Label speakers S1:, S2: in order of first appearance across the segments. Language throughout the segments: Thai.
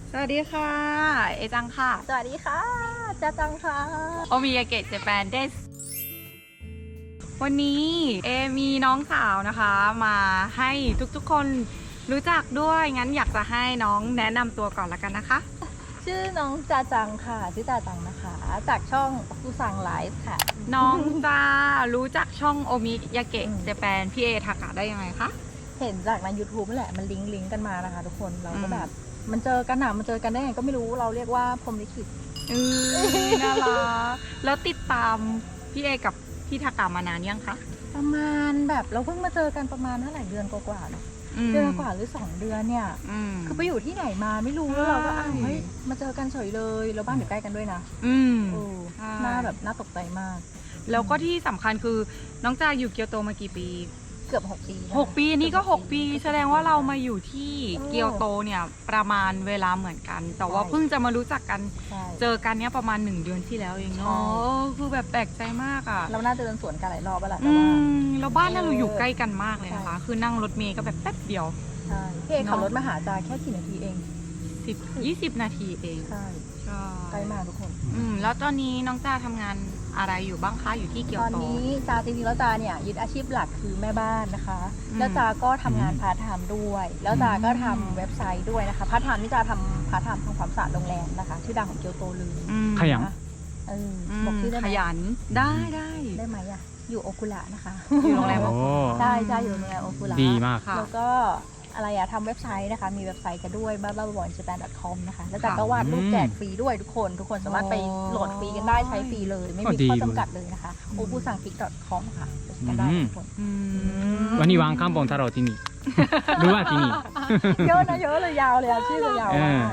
S1: สวัสดีค่ะ เอจังค่ะ
S2: สวัสดีค่ะจ้าจังค่ะ
S1: โอมิยาเกะเจแปนเดสวันนี้เอมีน้องสาวนะคะ มาให้ทุกๆคนรู้จักด้วย งั้นอยากจะให้น้องแนะนำตัวก่อนละกันนะคะ
S2: ชื่อน้องจาจังค่ะชื่อจาจังนะคะ จากช่องฟูซังไลฟ์ค่ะ
S1: น้องจะรู้จักช่องโอมิยาเกะเจแปนพี่เอทากะได้ยังไงคะ
S2: เห็นจากใน YouTube นั่นแหละมันลิงก์กันมานะคะทุกคนเราก็แบบมันเจอกันมันเจอกันได้ไงก็ไม่รู้เราเรียกว่าพรหมลิขิต
S1: น่ารักแล้วติดตามพี่เอกับพี่ทากะมานานยังคะ
S2: ประมาณแบบเราเพิ่งมาเจอกันประมาณเท่าไหร่เดือนกว่าๆเนาะเดือนกว่าหรือ2 เดือนเนี่ยคือไปอยู่ที่ไหนมาไม่รู้แล้วเราก็เฮ้ยมาเจอกันเฉยเลยแล้วบ้านอยู่ใกล้กันด้วยนะหน้าแบบน่าตกใจมาก
S1: แล้วก็ที่สำคัญคือน้องจาอยู่เกียวโตมากี่ปี
S2: เกือบ6 ปี
S1: 6 ปีนี่ก็6 ปีแสดงว่าเรามาอยู่ที่เกียวโตเนี่ยประมาณเวลาเหมือนกัน แต่ว่าเพิ่งจะมารู้จักกันเจอกันเนี้ยประมาณ1 เดือนที่แล้วเองเนาะคือแบบแปลกใจมากอ่ะ
S2: เราน่าจะเดินสวนกันหลายรอบแล้วแหละ
S1: แล้วบ้านเราอยู่ใกล้กันมากเลยนะคะคือนั่งรถเมล์ก็แบบแป๊บเดียว
S2: ใช่พี่เอขับรถมาหาจาแค่กี่นาทีเอง
S1: 10-20 นาทีเอง
S2: ใช่ใกล้มากทุกคน
S1: แล้วตอนนี้น้องจาทำงานอะไรอยู่บ้างคะอยู่ที่เกียวโต
S2: ตอนนี้จาจริงๆแล้วจาเนี่ยยึดอาชีพหลักคือแม่บ้านนะคะแล้วจาก็ทำงานพาร์ทไทม์ด้วยแล้วจาก็ทำเว็บไซต์ด้วยนะคะพาร์ทไทม์นี่จาทำพาร์ทไทม์ทำความสะอาดโรงแรมนะคะชื่อดังของเกียวโตเลย
S3: ขยัน
S2: บอกชื่อได้ไหม
S1: ขยันได้
S2: ไหมอะอยู่โอคุระนะคะ
S1: อยู่โรงแรม
S2: ได้จ้าอยู่โรงแรมโอคุระ
S3: ดีมาก
S2: แล้วก็อะไรอะทำเว็บไซต์นะคะมีเว็บไซต์กันด้วยbababonjapan.com นะคะแล้วจากก็วาดรูปแจกฟรีด้วยทุกคนสามารถไปโหลดฟรีกันได้ใช้ฟรีเลยไม่มีข้อจำกัดเลยนะคะ obusanfic.com ค่ะกันได้ทุกคน
S3: วันนี้วางข้ามบงทาโร่ที่นี่หรือว่าที่นี่
S2: เยอะนะเยอะเลยยาวเลยชื่อเลยยาวมาก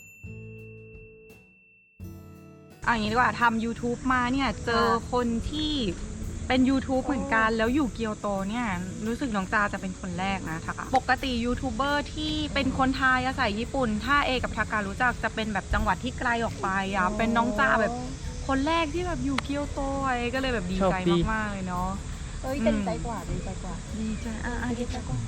S1: อย่างนี้ดีกว่าทำ YouTube มาเนี่ยเจอคนที่เป็น YouTube เหมือนกันแล้วอยู่เกียวโตเนี่ยรู้สึกน้องจาจะเป็นคนแรกนะทากะปกติยูทูบเบอร์ที่เป็นคนไทยอาศัยญี่ปุ่นถ้าเอกับทากะรู้จักจะเป็นแบบจังหวัดที่ไกลออกไปเป็นน้องจาแบบคนแรกที่แบบอยู่เกียวโตก็เลยแบบดีใจมากๆเลยเนาะ
S2: ดีใจกว่าดีใจกว่า
S1: ดีใจ
S2: ดีใจกว่า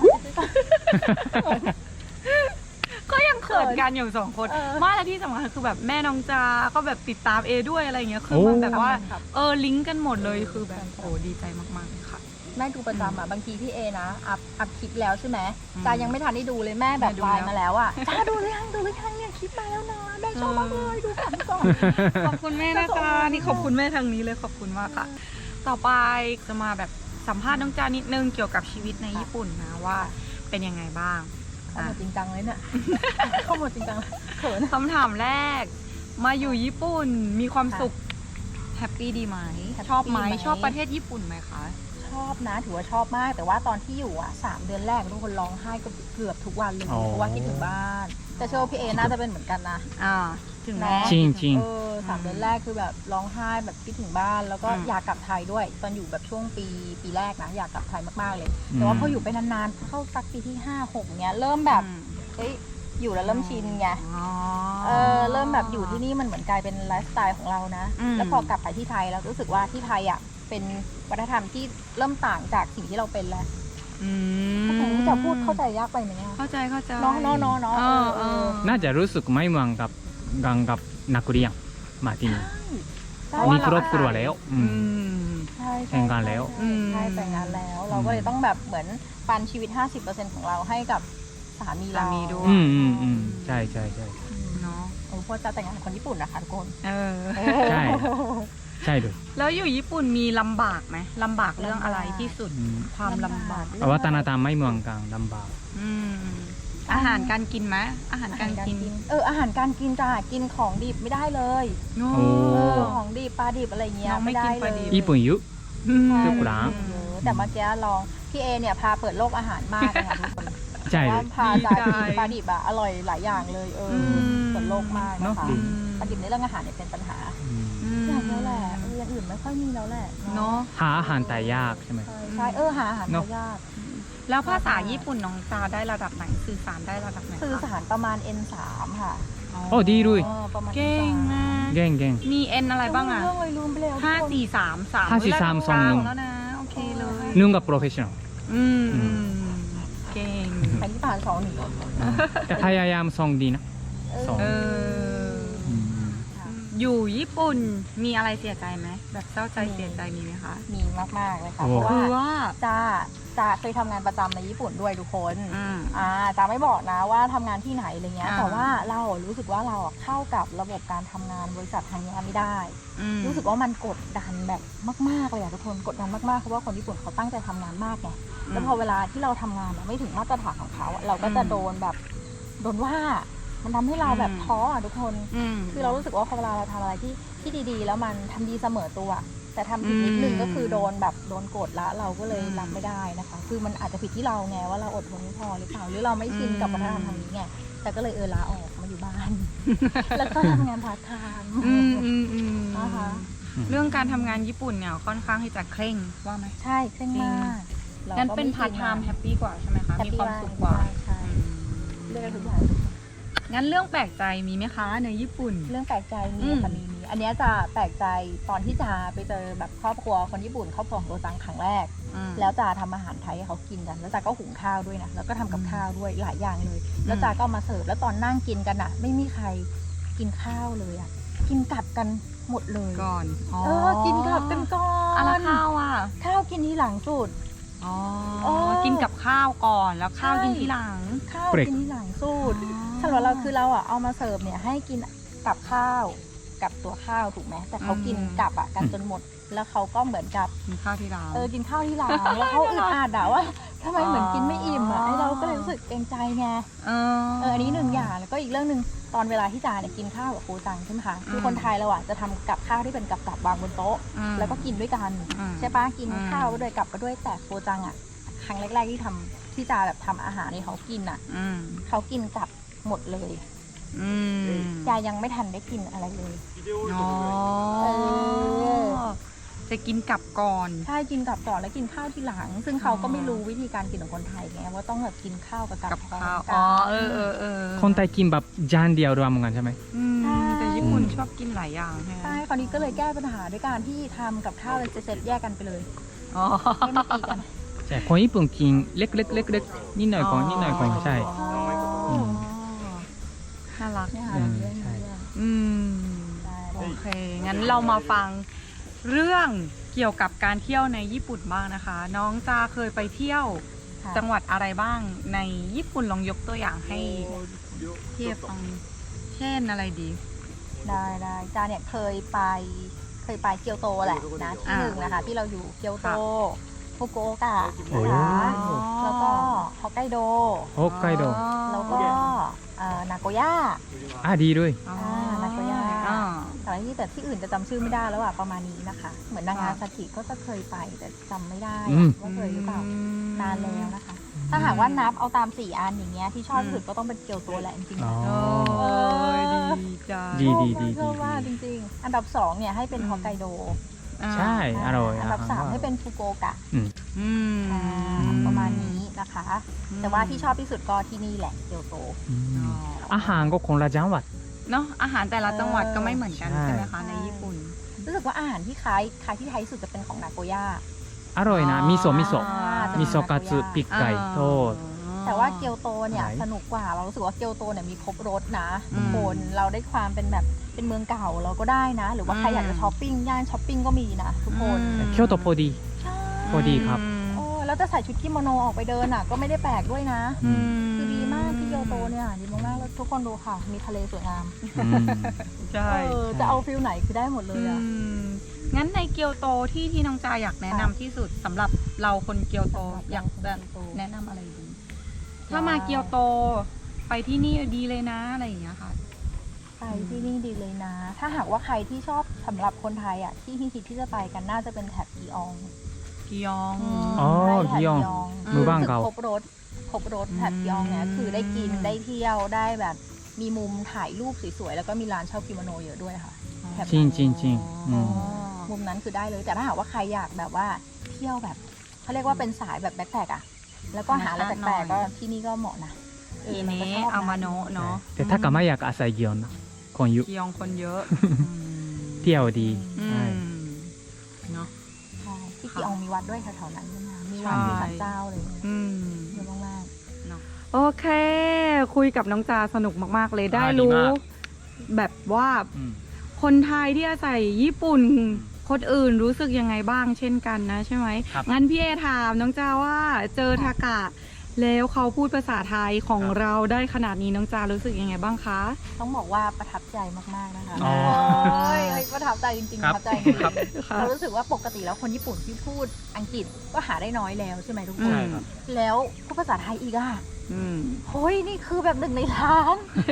S1: ก็ยังเขินกันอยู่2 คนมาและที่สำคัญคือแบบแม่น้องจาก็แบบติดตามเอด้วยอะไรเงี้ยคือมันแบบว่าลิงก์กันหมดเลยคือแบบโอ้ดีใจมากๆเลยค่ะ
S2: แม่ดูประจำบางทีพี่เอนะอัพคลิปแล้วใช่ไหมจายังไม่ทันได้ดูเลยแม่แบบไลน์มาแล้วจ้าดูหรือยังเนี่ยคลิปมาแล้วนะแม่ชอบมากเลยดูก่อน
S1: ขอบคุณแม่นะคะนี่ขอบคุณแม่ทางนี้เลยขอบคุณมากค่ะต่อไปจะมาแบบสัมภาษณ์น้องจานิดนึงเกี่ยวกับชีวิตในญี่ปุ่นนะว่าเป็นยังไงบ้าง
S2: เข้าหมดจริงจังเลยเนี่ยเข้าหมดจริงจังเขิน
S1: คำถามแรกมาอยู่ญี่ปุ่นมีความสุขแฮปปี้ดีไหมชอบไหมชอบประเทศญี่ปุ่นไหมคะ
S2: ชอบนะถือว่าชอบมากแต่ว่าตอนที่อยู่3 เดือนแรกทุกคนร้องไห้เกือบทุกวันเลยเพราะว่าคิดถึงบ้านแต่เชื่อว่าพี่เอน่าจะเป็นเหมือนกันนะ
S1: ถึงแม้
S3: จริง
S2: 3 เดือนแรกคือแบบร้องไห้แบบคิดถึงบ้านแล้วก็อยากกลับไทยด้วยตอนอยู่แบบช่วงปีแรกนะอยากกลับไทยมากๆเลยแต่ว่าพออยู่ไปนานๆเข้าสักปีที่5-6เนี้ยเริ่มแบบอยู่แล้วเริ่มชินไงเริ่มแบบอยู่ที่นี่มันเหมือนกลายเป็นไลฟ์สไตล์ของเรานะแล้วพอกลับไปที่ไทยเรารู้สึกว่าที่ไทยเป็นวัฒนธรรมที่เริ่มต่างจากสิ่งที่เราเป็นแล้วจะพูดเข้าใจยากไปไหม
S1: เข้าใจ
S2: น้อง
S3: น่าจะรู้สึกไม่เหมือนกับนักเรียนมาที่นี่มีครอบครัวแล้วแต่งงานแล้ว
S2: ใช่แต่งงานแล้วเราก็เลยต้องแบบเหมือนปันชีวิต 50% ของเราให้กับสามีเรา
S1: ด้วย
S3: ใช่
S1: เนาะ
S2: เพราะจะแต่งงานกับคนญี่ปุ่นนะคะทุกคน
S3: ใช่ด้วย
S1: แล้วอยู่ญี่ปุ่นมีลำบากไหมลำบากเรื่องอะไรที่สุดความลำบาก
S3: วัฒนธรรมไม่เหมือนกันลำบาก
S1: อาหารการกินไหมอาหารการกิน
S2: อาหารการกินจ้ะกินของดิบไม่ได้เลยของดิบปลาดิบอะไรเงี้ยไม่ได้เลย
S3: ญี่ปุ่นเยอะทุกร้าน
S2: แต่เมื่อกี้ลองพี่เอเนี่ยพาเปิดโลกอาหารมากนะคะทุกคน
S3: ใช่
S2: ว่าพาจากินปลาดิบอร่อยหลายอย่างเลยเปิดโลกมากนะคะปลาดิบในเรื่องอาหารเนี่ยเป็นปัญหาอย่างนี้แหละอย่างอื่นไม่ค่อยมีแล้วแหละ
S1: เนาะ
S3: หาอาหารแต่ยากใช่ไหม
S2: ใช่หาอาหารแต่ยาก
S1: แล้วภาษาญี่ปุ่นน้องจาได้ระดับไหนสื่อสารได้ระดับไหน
S2: สื่อสารประมาณ N3 ค่ะ
S3: โอ้ดีด้วย
S1: เก่งมาก
S3: เก่ง
S1: มี N อะไรบ้าง
S2: เรื่องเลยลืมไปแล้ว
S1: 5-4-3แล้วนะโอเคเลย
S3: นึ่งกับโปรเฟชชั่นอล
S1: เก่ง
S2: ไปที่ผ่าน2 1
S3: แต่พยายามส่งดีนะそう
S1: เออ
S3: อืม
S2: ค่ะ
S1: อยู่ญี่ปุ่นมีอะไรเสียใจไหมแบบเศร้าใจเสียใจมีไหมคะ
S2: มีมากๆเลยค่ะ
S3: โอ้
S2: เพราะ
S1: คือ
S2: ว่า
S1: ว่า
S2: จ้าเคยทำงานประจำในญี่ปุ่นด้วยทุกคน
S1: อืม
S2: จ้าไม่บอกนะว่าทำงานที่ไหนอะไรเงี้ย
S1: อ่า
S2: แต่ว่าเรารู้สึกว่าเราเข้ากับระบบการทำงานบริษัททางนี้ไม่ได้
S1: อืม
S2: รู้สึกว่ามันกดดันแบบมากๆเลยอะทุกคนกดดันมากๆเพราะว่าคนญี่ปุ่นเขาตั้งใจทำงานมากไงแล้วพอเวลาที่เราทำงานไม่ถึงมาตรฐานของเขาอะเราก็จะโดนแบบโดนว่ามันทำให้เราแบบท้ออะทุกคน
S1: ม
S2: คือเรารู้สึกว่าพอเวลาเราทำอะไรที่ดีๆ แล้วมันทำดีเสมอตัว แต่ทำผิดนิดนึง
S1: อืม
S2: ก็คือโดนแบบโดนกดละเราก็เลย
S1: อืม
S2: รับไม่ได้นะคะ คือมันอาจจะผิดที่เราไงว่าเราอดทนไม่พอหรือเปล่าหรือเราไม่ชินกับวัฒนธรรมทางนี้ไงแต่ก็เลยลาออกมาอยู่บ้าน แล้วก็ทำงานพาร์ทไทม์
S1: อืมอืมอืม
S2: นะคะ
S1: เรื่องการทำงานญี่ปุ่นเนี่ยค่อนข้างที่จะเคร่งว่าไหม
S2: ใช่เคร่งมากรา
S1: งั้น
S2: ก็
S1: เป็น
S2: ไม่
S1: พาร์ทไทม์แฮปปี้กว่าใช่ไหมคะ
S2: แฮป
S1: มี
S2: ปี้
S1: ความสุขกว่า
S2: ใช่เรื่องทุกอย่าง
S1: งั้นเรื่องแปลกใจมีไหมคะในญี่ปุ่น
S2: เรื่องแปลกใจมี
S1: อืม
S2: ค่ะมีอันเนี้ยจะแปลกใจตอนที่จะไปเจอแบบครอบครัวคนญี่ปุ่นครอบครัวของโรจังครั้งแรก
S1: อืม
S2: แล้วจะทำอาหารไทยให้เขากินกัน แล้วจาก็หุงข้าวด้วยนะ แล้วก็ทำกับข้าวด้วยหลายอย่างเลย แล้วจาก็เอามาเสิร์ฟ แล้วตอนนั่งกินกันอ่ะ ไม่มีใครกินข้าวเลยอ่ะ กินกลับกันหมดเลย
S1: ก่อน
S2: กินกลับกันก่อน
S1: อะไรข้าวอ่ะ
S2: ข้าวกินทีหลังสุด
S1: อ๋อ
S2: โอ้
S1: กินกับข้าวก่อนแล้วข้าว
S2: ใช่
S1: กินทีหลัง
S2: ข้าว
S3: เบรก
S2: กินทีหลังสุดสำหรับเราคือเราอ่ะเอามาเสิร์ฟเนี่ยให้กินกับข้าวกับตัวข้าวถูกไหมแต่เขากินกับอ่ะกันจนหมด แล้วเขาก็เหมือนกับ
S1: กินข้าวทีหลัง
S2: กินข้าวที่หลังแล้วเขาอึดอัดอะว่าทำไมเหมือนกินไม่อิ่มอะ
S1: อ๋อ
S2: ไอเราก็เลยรู้สึกเกรงใจไง อันนี้หนึ่งอย่างแล้วก็อีกเรื่องหนึ่งตอนเวลาที่จาเนี่ยกินข้าวกับครูจังใช่ไหมคะคือคนไทยเราอะจะทำกับข้าวที่เป็นกับวางบนโต๊ะ แล้วก็กินด้วยกัน ใช่ปะกินข้าวก็ด้วยกับก็ด้วยแต่ครูจังอะครั้งแรกๆที่จาแบบทำอาหารให้เขากินอะ
S1: อืม
S2: เขากินกับหมดเลย
S1: อืม
S2: จายังไม่ทันได้กินอะไรเลย
S1: อ๋อ
S2: เออ
S1: จะกินกลับก่อน
S2: ใช่กินกับก่อนแล้วกินข้าวทีหลัง ซึ่งเขาก็ไม่รู้วิธีการกินของคนไทยไงว่าต้องแบบกินข้าวกับ
S1: กับ
S2: พร้อม
S1: ข้าว
S2: กัน
S1: อ๋อเออ
S3: คนไทยกินแบบจานเดียวรวมกันใช่ไหม
S1: อืม
S2: ใช่
S1: แต่ญี่ปุ่นชอบกินหลายอย่างใช่ไหม
S2: ใช่คราวนี้ก็เลยแก้ปัญหาด้วยการที่ทำกับข้าวเป็นเซตๆแยกกันไปเลย
S1: อ๋อ
S2: ไม่มาตีกัน
S3: ใช่คนญี่ปุ่นกินเล็กๆเล็กๆนิดหน่อยก่อนนิดหน่อยก่อนใช่ อืม
S1: น่ารัก
S2: เนี่ยค่ะ
S3: อืม
S2: เรื่อง
S3: ใช่
S2: เรื่อง
S1: อืม
S2: ได้
S1: โอเค งั้นเรามาฟังเรื่องเกี่ยวกับการเที่ยวในญี่ปุ่นบ้างนะคะ น้องจาเคยไปเที่ยว
S2: ค่ะ
S1: จังหวัดอะไรบ้างในญี่ปุ่นลองยกตัวอย่างให้เทียบฟังเช่นอะไรดี
S2: ได้จ้าเนี่ยเคยไปเกียวโตแหละนะที่หนึ่งนะคะที่เราอยู่เกียวโต
S1: ค่ะ
S2: ฟุกุโอกะ
S3: โอ้
S2: นะคะแล้วก็ฮอกไกโด
S3: ฮอกไกโด
S2: แล้วก็นาโกย่า
S3: ดีด้วย
S1: อ๋อ
S2: นาโกย่า
S1: อ่า
S2: แต่ที่อื่นจะจำชื่อไม่ได้แล้วอะประมาณนี้นะคะ เหมือนนางาซากิก็จะเคยไปแต่จำไม่ได้
S3: อืม
S2: ว่าเคยหรือเปล่านานแล้วนะคะ ถ้าหากว่านับเอาตาม4 อันอย่างเงี้ยที่ชอบที่สุดก็ต้องเป็นเกียวโตแหละจริงๆ
S3: อ๋อ
S1: โอ้ยดีจัง
S3: ดี
S2: ชอบมากจริงๆ อันดับ2เนี่ยให้เป็นฮอกไกโด
S3: ใช่อร่อย
S2: อันดับ3ให้เป็นฟุกุโอกะ
S1: อืม
S2: ประมาณนี้นะคะ แต่ว่าที่ชอบที่สุดก็ที่นี่แหละเกียวโต
S3: อืมอาหารก็คนละจังหวัด
S1: เนาะอาหารแต่ละจังหวัดก็ไม่เหมือนกัน
S3: ใช่
S1: ใช่ไหมคะในญี่ปุ่น
S2: รู้สึกว่าอาหารที่คล้ายที่ไทยที่สุดจะเป็นของนาโกย่า
S3: อร่อยนะมิโซะ
S2: จะ
S3: มิโซะกัตสึปีกไก่ทอด
S2: แต่ว่าเกียวโตเนี่ย
S3: ไหน
S2: สนุกกว่าเรารู้สึกว่าเกียวโตเนี่ยมีครบรสนะ
S1: อืม
S2: ทุกคนเราได้ความเป็นแบบเป็นเมืองเก่าเราก็ได้นะ หรือว่าใครอยากจะช้อปปิ้งย่านช้อปปิ้งก็มีนะทุกคน
S3: เคียวโตพอดี
S2: ใช่
S3: พอดีครับ
S2: โอ้แล้วจะใส่ชุดกิโมโนออกไปเดินอ่ะก็ไม่ได้แปลกด้วยนะ
S3: อืม
S2: คือดีมากที่เกียวโตเนี่ยดีมากๆแล้วทุกคนดูค่ะ มีทะเลสวยงาม
S3: อืม
S1: ใช่
S2: จะเอาฟิลไหนคือได้หมดเลยอ่ะ
S1: งั้นในเกียวโตที่น้องจาอยากแนะนำที่สุดสำหรับเราคนเกียวโตอยากจะแนะนำอะไรดี ถ้ามาเกียวโตไปที่นี่ดีเลยนะอะไรอย่างเงี้ยค่ะ
S2: ไปที่นี่ดีเลยนะ ถ้าหากว่าใครที่ชอบสำหรับคนไทยอ่ะที่ฮิตที่จะไปกันน่าจะเป็นแถบกีออง
S1: กิยอง
S3: อ๋อ
S2: ใช่แถบ
S3: กีออง
S1: อืม
S3: มือบ้างเก่า
S2: ครบรถแถบกีอองเนี่ยคือได้กินได้เที่ยวได้แบบมีมุมถ่ายรูปสวยๆแล้วก็มีร้านเช่ากิโมโนเยอะด้วยค่ะ แถบ
S3: จริงจริงจริงอืม
S2: มุมนั้นคือได้เลยแต่ถ้าหากว่าใครอยากแบบว่าเที่ยวแบบเขาเรียกว่าเป็นสายแบบแบ็คแพคอะแล้วก็หาอะไรแปลกๆก็ที่นี่ก็เหมาะนะ
S1: ที
S2: เราก็
S1: นี้
S2: ชอบนะ
S1: อามาโนะเนาะ
S3: แต่ถ้ากลับมาอยากอาศัยเกียวนะคนยุ
S1: กิยองคนเยอะ
S3: เที่ยวดี
S1: อื
S3: ใช่
S1: มเนาะ
S2: ใช่ที่กีอองมีวัดด้วยแถวๆนั้นใช่ไหมคะมีวัด
S1: ใช่
S2: มีศาลเจ้าอะไรอย่างเงี้ย
S1: อืม
S2: เยอะมาก
S1: เนาะโอเค คุยกับน้องจาสนุกมากๆเลยได้
S3: ดี
S1: รู้
S3: มาก
S1: แบบว่า
S3: อืม
S1: คนไทยที่อาศัยญี่ปุ่น คนอื่นรู้สึกยังไงบ้างเช่นกันนะใช่ไหม
S3: ครับ
S1: งั้นพี่เอถามน้องจาว่าเจอทากะ แล้วเขาพูดภาษาไทยของ
S3: ครับ
S1: เราได้ขนาดนี้น้องจารู้สึกยังไงบ้างคะ
S2: ต้องบอกว่าประทับใจมากๆนะคะ
S3: อ๋อ
S2: โอ้ยประทับใจจริงๆ
S3: ค
S2: ป
S3: รับ
S2: ระทับใจจริง
S3: ครับ
S2: ๆเรารู้สึกว่าปกติแล้วคนญี่ปุ่นที่พูดอังกฤษก็หาได้น้อยแล้วใช่ไหมทุกคน
S3: ใช่ครับ
S2: แล้วพูดภาษาไทยอีกอะ
S1: อืม
S2: เฮ้ยนี่คือแบบ1 ในล้าน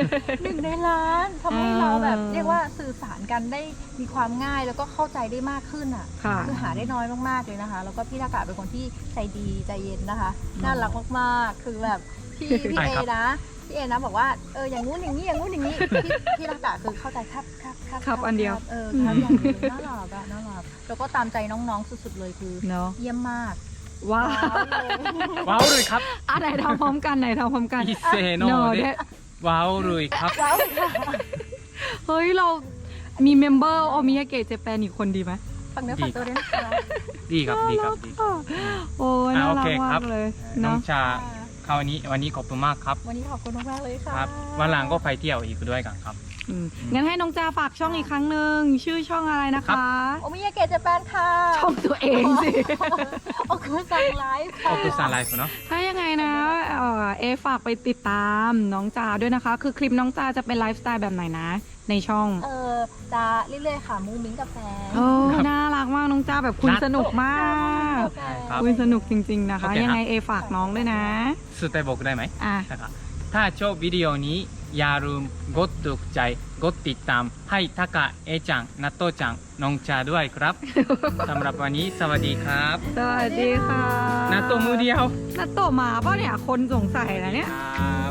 S2: 1 ในล้านทำให้เราแบบเรียกว่าสื่อสารกันได้มีความง่ายแล้วก็เข้าใจได้มากขึ้นอ่ะ
S1: ค่ะ
S2: คือหาได้น้อยมากๆเลยนะคะ แล้วก็พี่ทากะเป็นคนที่ใจดีใจเย็นนะคะ น่ารักมากๆ คือแบบพี่
S3: ใช่
S2: เอ
S3: ครับ
S2: นะพี่เอนะบอกว่าอย่างงู้นอย่างนี้อย่างงู้นอย่างนี้พี่ทากะคือเข้าใจครับ
S1: ครับอันเดียว
S2: ครับอย่างเดียวน่ารักอะน่ารักแล้วก็ตามใจน้องๆสุดๆเลยคือ
S1: เนาะ
S2: เยี่ยมมาก
S1: ว้าว
S3: ว้าวเลยครับ
S1: อ่ะไหนทำพร้อมกันไหนทำพร้อมกัน
S3: อิเซโน
S1: เนาะ
S3: เด
S1: เด้
S3: ว้าวเลยครับ
S2: ว้าว
S1: เฮ้ยเรามีเมมเบอร์โอมิยาเกะเจแปนอีกคนดีไหม
S2: ฝักเนื้อฝักตัวด้วยนะคะ
S3: ดีครับดีครับดี
S1: โอ้ยน่า
S3: โอ
S1: รั
S3: เค
S1: ก
S3: ค
S1: มา
S3: รับ
S1: กเลย
S3: น้อง
S1: เนาะ
S3: ชาคราวนี้วันนี้ขอบคุณมากครับ
S2: วันนี้ขอบคุณมากๆเลยค่ะ
S3: ครับวันหลังก็ไปเที่ยวอีกด้วยกันครับ
S1: อืมงั้นให้น้องจาฝากช่องอีกครั้งหนึ่งชื่อช่องอะไรนะ
S3: ครั
S1: คะ
S3: บ
S2: โอมิยาเกะเจแปนค่ะ
S1: ช่องตัวเองสิ
S2: โอคือสั่งไลฟ์ค่ะ
S3: ขอบคุณสารไลฟ์เนาะ
S1: ถ้ายังไงนะเอฝากไปติดตามน้องจาด้วยนะคะ คือคลิปน้องจาจะเป็นไลฟ์สไตล์แบบไหนนะ ในช่อง
S2: จะเรื่อยๆค่ะมูมิ้งกับแฟน
S1: โอ้น่ารักมากน้องจาแบบคุยสนุกมาก
S3: ครับ
S1: คุยสนุกจริงๆนะคะ
S3: โอเคครับ
S1: ยังไงเอฝากน้องด้วยนะ
S3: สุดท้ายบอกได้ไหม
S1: อ่ะ
S3: นะครับถ้าชอบวิดีโอนี้อย่าลืมกดถูกใจกดติดตามให้ทากะเอจังนัตโตจังน้องชาด้วยครับ สำหรับวันนี้สวัสดีครับ
S1: สวัสดีค่ะ
S3: นัตโตมือเดียว
S1: นัตโตะมาเปล่ะเนี่ยคนสงสัยนะเนี่ย
S3: ครับ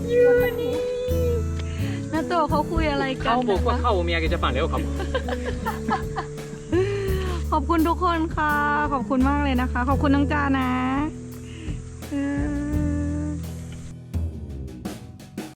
S1: นัตโตะเขาคุยอะไรกัน
S3: เขาบอกว่า
S1: นะคะ
S3: เข้าเมียกิจปันแล้วครับ
S1: ขอบคุณทุกคนค่ะ ขอบคุณมากเลยนะคะ ขอบคุณน้องจานะ